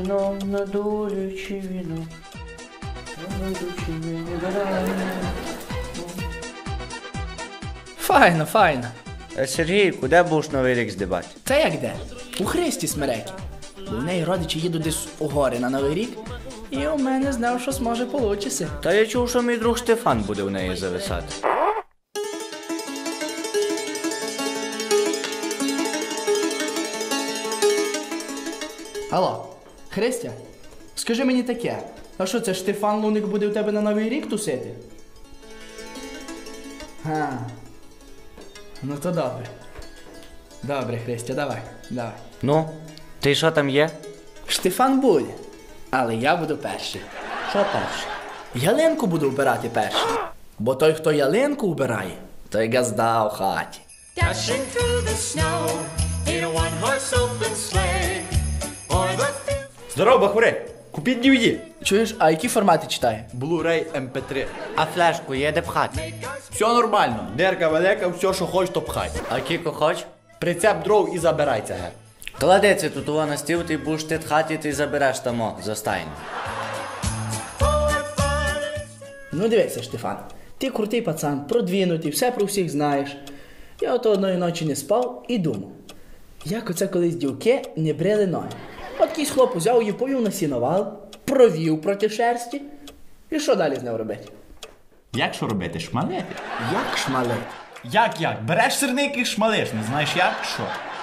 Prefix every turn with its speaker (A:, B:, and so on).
A: вино, надурюючи віно. Надурюючи вино.
B: Файно, файно.
A: Сергій, куди будеш Новий рік здибати?
B: Та як де? У Христі Смерекі. Бо в неї родичі їдуть десь у гори на Новий рік, і у мене знав, що зможе получиться.
A: Та я чув, що мій друг Штефан буде в неї зависати.
B: Алло, Христя, скажи мені таке, а що це Штефан Луник буде у тебе на Новий рік тусити? Ну то добре. Добре, Христя, давай.
A: Ну, ти що там є?
B: Штефан буде, але я буду перший.
A: Що перше?
B: Ялинку буду вбирати перший. Бо той, хто ялинку вбирає, той газда у хаті.
C: Dashing through the snow in a one-horse open sleigh, o'er the fields.
D: Здорово, бахури! Купіть DVD.
B: Чуєш, а які формати читає?
D: Blu-ray MP3.
A: А флешку є де пхати?
D: Все нормально. Дерка велика, все, що хочеш, то пхай.
A: А кіко хоч?
D: Прицеп дров і забирайся, ге.
A: Клади це тут на стіл, ти будеш ти тхати, ти забереш тамо за стайню.
B: Ну дивися, Штефан, ти крутий пацан, продвинутий, все про всіх знаєш. Я ото одної ночі не спав і думав, як оце колись дівки не брили ноги. От якийсь хлоп узяв її, повів на сіновал, провів проти шерсті. І що далі з ним робити?
D: Як що робити? Шмалити?
B: Як шмалити?
D: Як? Береш сирники і шмалиш, не знаєш як? Що?